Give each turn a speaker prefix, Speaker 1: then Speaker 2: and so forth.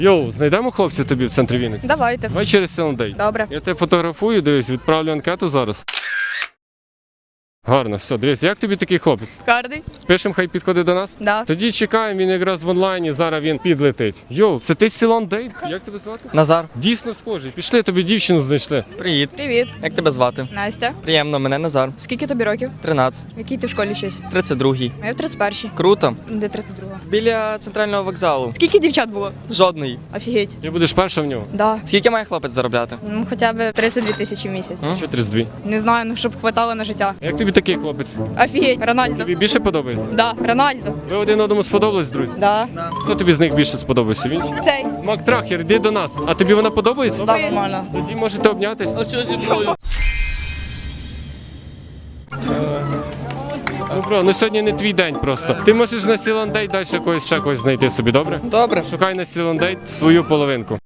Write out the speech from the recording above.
Speaker 1: Йоу, знайдемо хлопця тобі в центрі Вінниці?
Speaker 2: Давайте.
Speaker 1: Давай через Селендей.
Speaker 2: Добре.
Speaker 1: Я тебе фотографую, дивись, відправлю анкету зараз. Гарно, все, дивись, як тобі такий хлопець?
Speaker 2: Гарний?
Speaker 1: Пишемо, хай підходить до нас?
Speaker 2: Да.
Speaker 1: Тоді чекаємо, він якраз в онлайні, зараз він підлетить. Йоу, це ти Селендей? Як тебе звати?
Speaker 3: Назар,
Speaker 1: Дійсно схожий. Пішли, тобі дівчину знайшли.
Speaker 3: привіт.
Speaker 2: Привіт.
Speaker 3: Як тебе звати?
Speaker 2: Настя.
Speaker 3: Приємно, мене Назар.
Speaker 2: Скільки тобі років?
Speaker 3: 13.
Speaker 2: В якій ти в школі щось?
Speaker 3: 32.
Speaker 2: А я в 31-й.
Speaker 3: Круто.
Speaker 2: Де 32-га?
Speaker 3: Біля центрального вокзалу.
Speaker 2: Скільки дівчат було?
Speaker 3: Жодної.
Speaker 2: Офігеть.
Speaker 1: Ти будеш перша в нього?
Speaker 2: Да.
Speaker 3: Скільки має хлопець заробляти?
Speaker 2: Хоча б 32 тисячі в місяць.
Speaker 1: Що 32?
Speaker 2: Не знаю, ну щоб хватало на життя.
Speaker 1: Як тобі такий хлопець?
Speaker 2: Офігеть. Рональдо.
Speaker 1: Тобі більше подобається?
Speaker 2: Да, Рональдо.
Speaker 1: Ви один одному сподобались, друзі?
Speaker 2: Да.
Speaker 1: Хто тобі з них більше сподобався? Він?
Speaker 2: Цей.
Speaker 1: Мак Трахер, йди до нас. А тобі вона подобається?
Speaker 2: Да, нормально.
Speaker 1: Тоді можете обнятися. Ну, бро, ну сьогодні не твій день просто. Ти можеш на Сіландей далі ще когось знайти собі, добре?
Speaker 3: Добре.
Speaker 1: Шукай на Сіландей свою половинку.